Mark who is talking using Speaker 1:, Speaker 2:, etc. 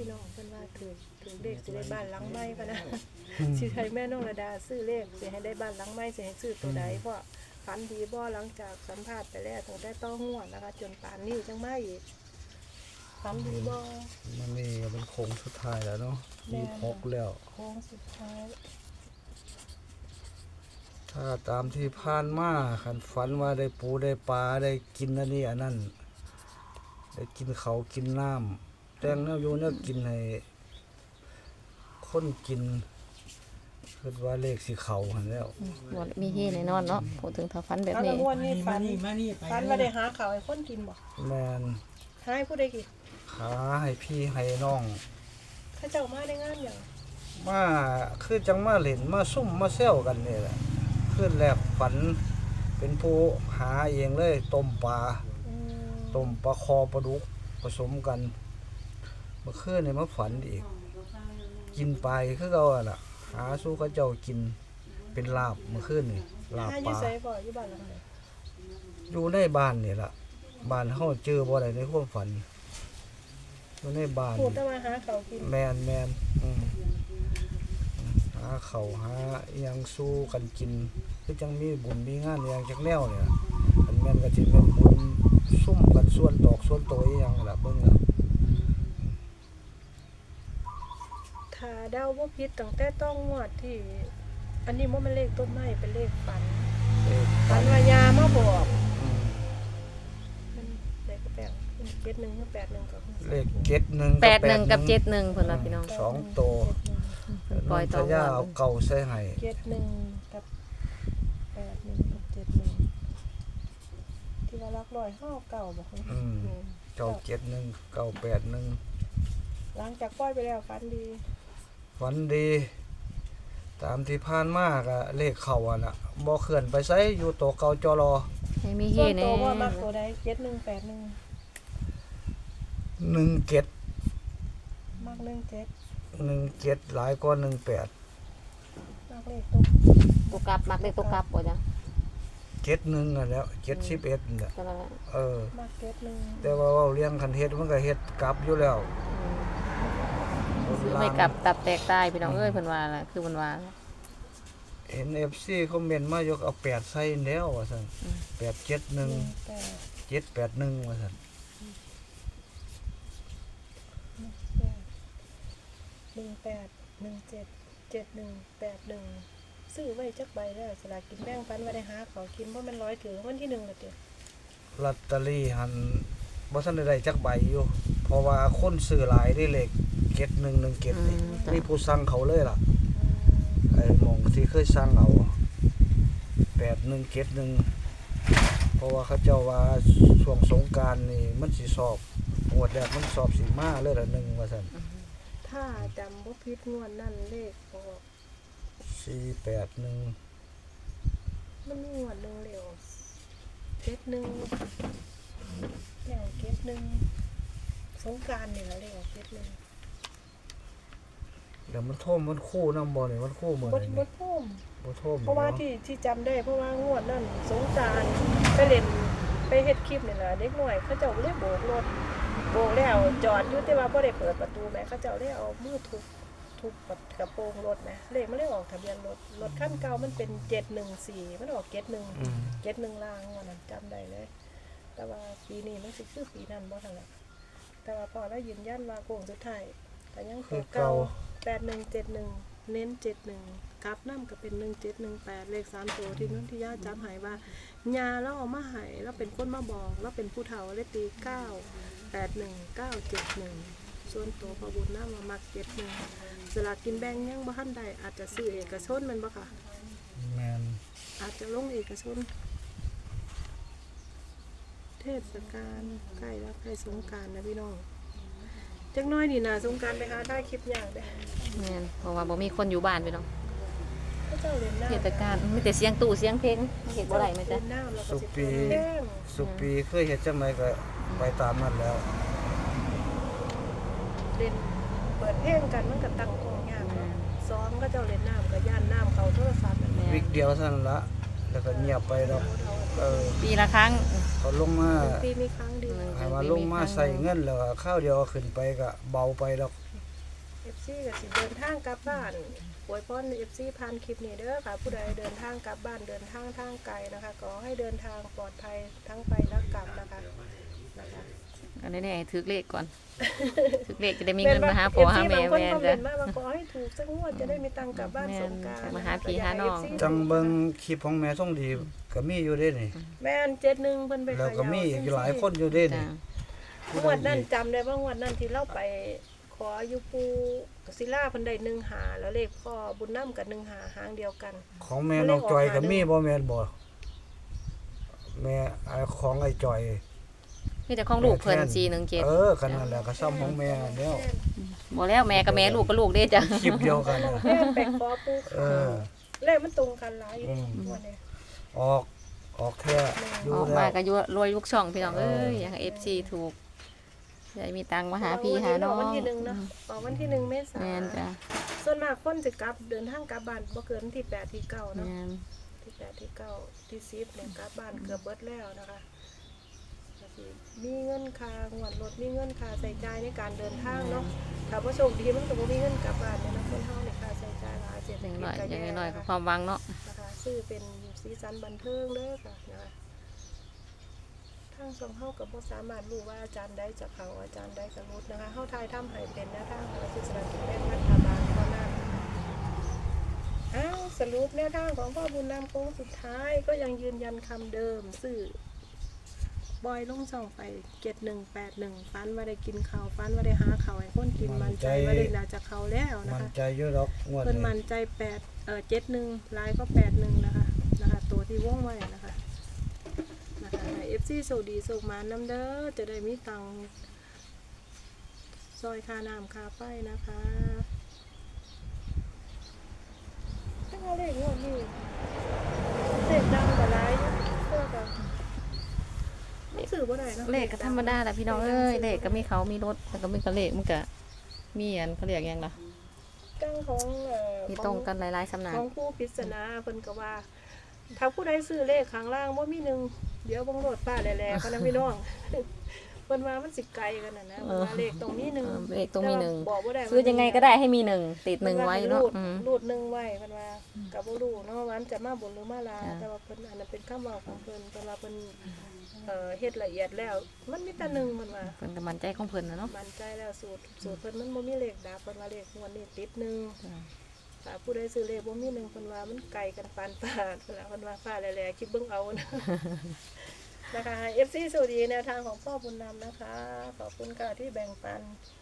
Speaker 1: พี่น้องเพิ่นว่าถือเลขสิได้บ้านหลังใหม่พะนะสิให้แม่น้องระดาซื้อเลขสิให้ได้บ้านหลังใหม่สิให้ซื้อตัวใดเพราะฝันดีบ่หลังจากสัมภาษณ์ไปแล้วตั้งแต่ต้องงวดนะคะจนป่านนี้จังมาอีกฝันดีบ่
Speaker 2: มันนี่เป็นโค้งสุดท้ายแล้วเนาะ26แล้ว
Speaker 1: โค้งสุดท้าย
Speaker 2: ถ้าตามที่ผ่านมาคันฝันว่าได้ปูได้ปลาได้กินอันนี้อันนั้นได้กินเขาวกินน้ำแต่งแนวอยู่แนวกินให้คนกินคิดว่าเลขสิเข้าหั่นแล้ว
Speaker 3: บ่มีเฮแน่นอนเนาะพูดถึงถ้าฝันแบบ
Speaker 1: เอา
Speaker 3: นี้
Speaker 1: ละงวดนี้ฝันว่าได้หาข้าวให้คนกินบ่
Speaker 2: แม่น
Speaker 1: หาให้ผู้ใดกิน
Speaker 2: ขาให้พี่ให้น้อง
Speaker 1: เขาเจ้ามาได้งานหยัง
Speaker 2: มาคือจังมาเล่นมาซุ่มมาแซวกันนี่แหละขึ้นแรกฝันเป็นผู้หาเองเลยต้มปลา
Speaker 1: อืม
Speaker 2: ต้มปลาคอปลาดุกผสมกันเมื่อคืนนี่มาฝันอีก กินไปคือเก่าอะล่ะ หาสู้เขาเจ้ากินเป็นลาบเมื่อคืนนี่ลาบ
Speaker 1: หาอ
Speaker 2: ป
Speaker 1: ยู่
Speaker 2: ลา
Speaker 1: ไสบ่อยู่บ้านหลังใด
Speaker 2: อยู่ในบ้านนี่ล่ะบ้านเฮาเจอบ่ได้ในความฝันอยู่ในบ้าน
Speaker 1: พูดแต่ว่าหาข้าวกิน
Speaker 2: แมนหาเขาวหาอิหยังสู้กันกินคือจังมีบุญมีงานอหย่างจักแนวเนี่ยอันแม่นก็สิเป็นบุญซุ่มกันส่วนตอกส่วนโตอีหยังล่ะเบิ่งแล้ว
Speaker 1: ถ้าเดาบ่ผิดตั้งแต่ต้องงวดที่ อันนี้บ่แม่นเลขต้นไม้เป็นเลขฝัน
Speaker 2: เลข
Speaker 1: ฝันว่ายามาบอก
Speaker 2: อืม
Speaker 1: เป็นเลขแปลก71หรือ81ก็
Speaker 2: เลข71
Speaker 3: 81กับ71เพิ่นว่าพี่น้อง
Speaker 2: สองโต
Speaker 3: ปล่อยต่อ
Speaker 2: น้งทะยาเอาเก่าใส่ให้
Speaker 1: 71กับ81กับ71ที่ว่ารักร้อยเฮาเก่าบ่คะ
Speaker 2: อืมเก่า71 981
Speaker 1: หลังจากปล่อยไปแล้วฝันดี
Speaker 2: ฝันดี ตามที่ผ่านมาก็เลขเข้าอ่ะน่ะบ่เคลื่อนไปไสอยู่โตเก่าจอรอ
Speaker 3: ให้มีเฮ
Speaker 1: ส่วน
Speaker 3: แน่
Speaker 1: ตัวว่ามักตัวใด7181
Speaker 2: 17
Speaker 1: มัก17
Speaker 2: 17หลายกว่า18
Speaker 1: มักเลขตก
Speaker 3: ตัวกลับมักได้ตัวกลับบ่จ้ะ
Speaker 2: 71นั่นแหล้ว71นั่นแหละ
Speaker 3: ก็นั่นแหละ
Speaker 1: มัก71
Speaker 2: แต่ว่าเว้าเลี้ยงคันเฮ็ดมันก็เฮ็ดกลับอยู่แล้ว
Speaker 3: ซื้อไม่กลับตับแตกตายพี่น้องเอ้ยเพิ่นว่าล่ะคือเพิ่นว่า
Speaker 2: เห็น FC คอมเมนต์มาอยู่เอา8ใส่แล้วว่าซั่น871 781ว่าซั่น
Speaker 1: 18177181ซื้อไว้จักใบแล้วสลากกินแบ่งฝันว่าได้หาเขากินเพราะมัน100ถือวันที่1แล้วเด้อ
Speaker 2: ลอตเตอรี่หันบ่ทันได้จักใบอยู่ เพราะว่าคนซื้อหลายได้เลข7117นี่มีผู้สั่งเขาเลยล่ะ ไอ้หม่องที่เคยสั่งเอา8171เพราะว่าเขาเจ้าว่าช่วงสงกรานต์นี่มันสิสอบงวดแรกมันสอบสิมาเลยละ1ว่าซั่น
Speaker 1: ถ้าจำบ่ผิดงวดนั่นเลขออก
Speaker 2: 481
Speaker 1: มันมีงวดหนึงเลยออก71แล้ว71สงกรานต์นี่ล่ะเลขออก71
Speaker 2: แล้วมันท่วมมันคู่นำบ่นี่มันคู่มื้อ
Speaker 1: บ่
Speaker 2: นี้
Speaker 1: บ่ท่วม
Speaker 2: บ่ท่วม
Speaker 1: เพราะว่า
Speaker 2: เนาะ
Speaker 1: ที่จำได้เพราะว่างวดนั่นสงกรานต์ไปเล่นไปเฮ็ดคลิปนี่ล่ะเด็กน้อยเขาเจ้าเลยโบกรถโบกแล้วจอดอยู่แต่ว่าบ่ได้เปิดประตูแหมเขาเจ้าเลยเอามือทุบกระโปรงรถแหมเลขมันเลยออกทะเบียนรถคันเก่ามันเป็น714มันออก71ล่างวันนั้นจำได้เลย แต่ว่าปีนี้มันสิคือปีนั้นบ่ทันละแต่ว่าพอแล้วยืนยันว่าโค้งสุดท้ายก็ยังตัวเก่า8171เน้น71กลับนำก็เป็น1718เลข3ตัวที่นนทิยาจำให้ว่าญาแล้วเอามาให้แล้วเป็นคนมาบอกแล้วเป็นผู้เฒ่าเลยตี981971ส่วนตัวพอบุญนำมามัก71สลากกินแบ่งยังบ่ทันได้อาจจะซื้อเอกชนแม่นบ่ค่ะ
Speaker 2: แม่น
Speaker 1: อาจจะลงเอกชนเทศกาลใกล้แล้วใกล้สงกรานต์นะพี่น้องจักหน้อยนี่นะสงกรานต์ไปหาถ่ายคลิปยากเด้
Speaker 3: แม่นเพราะว่าบ่มีคนอยู่บ้านพี่น้อง
Speaker 1: พระเจ้าเล่นน้ำ
Speaker 3: เทศกาลมีแต่เสียงตู้เสียงเพลงเฮ็ดบ่ได้แม่จ๊ะ
Speaker 1: เล่นน้ำแล้วก็
Speaker 2: สุ
Speaker 1: สิ
Speaker 2: ปี
Speaker 1: เปิดเพลง
Speaker 2: สุปีเคยเฮ็ดจังไดก็ไปตามนั้นแล้ว
Speaker 1: เล่นเปิดเพลงกันมันก็ตั้งกล้องยากเนาะซ้อมก็เจ้าเล่นน้ำก็ย่านน้ำเข้าโทรศัพท์นั่นแหละ
Speaker 2: วิกเดียวเท่านั้นละแล้วก็เงียบไปดอก
Speaker 3: ปีละครั้ง
Speaker 2: เขาลงมา
Speaker 1: ปีมีครั้งเดียว
Speaker 2: ให้มาลงมาใส่เงินแล้วก็ข้าวเดียวขึ้นไปก็เบาไปดอก
Speaker 1: FC ก็สิเดินทางกลับบ้านอวยพร FC ผ่านคลิปนี้เด้อค่ะผู้ใดเดินทางกลับบ้านเดินทางทางไกลนะคะขอให้เดินทางปลอดภัยทั้งไปและกลับนะคะ
Speaker 3: อันนี้เนี่ยถือเลขก่อน ถือเลขจะได้มีเงินมาหาพ่อหาแม่
Speaker 1: บางคน
Speaker 3: แม่
Speaker 1: คอมเม
Speaker 3: จ้ะ
Speaker 1: นต์มาว่าขอให้ถูกสักงวดจะได้มีตังค์กลับบ้านสงกรานต์
Speaker 3: มาหาพี่หาน้อง
Speaker 2: จังเบิ่งคลิปของแม่ท่องดีก็มีอยู่เด้นี่
Speaker 1: แม่น71เพิ่นไป
Speaker 2: แล้ว
Speaker 1: ขาย
Speaker 2: ก็มีอีกหลายคนอยู่เด้นี่
Speaker 3: จ้ะ
Speaker 1: งวดนั้นจำได้ว่างวดนั้นที่เราไปขออยู่ปูศิลาเพิ่นได้1หาแล้วเลขพ่อบุญนำกับ1หาหางเดียวกัน
Speaker 2: ของแม่น้องจอยก็มีบ่แม่นบ่แม่ของไอ้จอย
Speaker 3: มีแต่ของลูกเพิ่น417
Speaker 2: ก็นั่นแหละก็ซ้ำของแม่แล้ว
Speaker 3: บ่แล้วแม่กับแม่ลูกก็ลูกเด้จ้ะ
Speaker 2: คลิปเดียวกันน่ะ
Speaker 1: แม่ไปขอปู เลขมันตรงกันหลายอยู่
Speaker 2: อืม
Speaker 1: งวดนี้
Speaker 2: ออกแท้อยู่
Speaker 3: ออก
Speaker 2: แล้
Speaker 3: มาว ก็อยู่รวยลูกช่องพี่น้องเอ้ยอยากให้ FC ถูกได้มีตังค์มาหาพี่หาน้อง
Speaker 1: วันที่1เนาะออกวันที่1เมษาย
Speaker 3: แม่น
Speaker 1: น
Speaker 3: จ้ะ
Speaker 1: ส่วนมากคนสิกลับเดินทางกลับบ้านบ่เกินวันที่8ที่9เนาะ
Speaker 3: แม่น
Speaker 1: ที่8ที่9ที่10เนี่ยกลับบ้านเกือบเบิดแล้วนะคะก็สิมีเงินค่างวดรถมีเงินค่าใช้จ่ายในการเดินทางเนาะถ้าบ่โชคดีมันก็บ่มีเงินกลับบ้านเนี่ยนะคนเฮาเนี่ยค่าใช้จ่ายหลายเศรษฐ
Speaker 3: อย่าง
Speaker 1: กิจ
Speaker 3: น้อย
Speaker 1: ก็
Speaker 3: อย่าง
Speaker 1: แย่
Speaker 3: น้อย
Speaker 1: นะ
Speaker 3: ก็
Speaker 1: คะ
Speaker 3: ความหวังเนาะ
Speaker 1: นะคะซื้อเป็นสีสันบันเทิงเด้อค่ะนะคะทางสองเฮากับบ่สามารถรู้ว่าอาจารย์ใดจะเข้าอาจารย์ใดจะรุดนะคะเฮาทายทำให้เป็นแนวทางของสื่อสารกิจเป็นรัฐบาลเท่านั้นสรุปแนวทางของพ่อบุญนำโค้งสุดท้ายก็ยังยืนยันคำเดิมซื้อบอยลงช่องไป7181ฟันว่าได้กินข้าวฟันว่าได้หาข้าวให้คนกินมันใจว่าได้น่าจะเข้าแล้วนะ
Speaker 2: มัน
Speaker 1: คะ
Speaker 2: ใจอยู่ดอกงวด
Speaker 1: เพิ่น
Speaker 2: นี้
Speaker 1: มั่นใจ71ลายก็81นะคะตัวที่วงไว้นะคะให้ FC โชคดีโชคมานำเด้อจะได้มีตังค์ซอยค่าน้ำค่าไฟนะคะถ้าว่าเลขงวดนี้เสร็จดังกว่าหลายเพื่อกับสื่อบ่ได้เนาะ
Speaker 3: เลขก็ธรรมดาแหละพี่น้องเอ้ยเลขก็มีเขามีรถแล้วก็มีกระเลขมันก็มีอันเขาเรียกหยังล่ะ
Speaker 1: กังของ
Speaker 3: มีตรงกันหลายๆสำนัก
Speaker 1: ของผู้พิจารณาเพิ่นก็ว่า ถ้าผู้ใดซื้อเลขข้างล่างบ่มีหนึ่งเดี๋ยวบังโลดป้าแหล่ๆพะนะพี่น้อง เพิ่นว่ามันสิไกลกันน่ะนะเพิ่นว่าเลขตรงนี้หนึ่ง
Speaker 3: เลขตรงมีหนึ่ง
Speaker 1: แต่ว่าบอกบ่ได้ว่า
Speaker 3: ซื้อยังไงก็ได้ให้มีหนึ่งติดหนึ่งไว้เนาะ
Speaker 1: รูดหนึ่งไว้เพิ่นว่าก็บ่รู้เนาะว่ามันจะมาบนหรือมาลาง
Speaker 3: จ้ะ
Speaker 1: แต่ว่าเพิ่นอันนั้นเป็นคำเว้าของเพิ่นเพิ่นว่าเพิ่นเฮ็ดละเอียดแล้ว มันมีแต่หนึ่งเพิ่นว่า
Speaker 3: เพิ่นก็มั่นใจของเพิ่นนะเนาะ
Speaker 1: มั่นใจแล้วสูตรเพิ่นมันบ่มีเลขดับเพิ่นว่าเลขงวดนี้ติดหนึ่ง
Speaker 3: จ้ะ
Speaker 1: ถ้าผู้ใดซื้อเลขบ่มีหนึ่งเพิ่นว่ามันไกลกันปานตาดเพิ่นว่าฟ้าแหล่ๆคิดเบิ่งเอานะ นะคะ FC สวัสดีแนวทางของพ่อบุญนำนะคะ ขอบคุณค่ะที่แบ่งปัน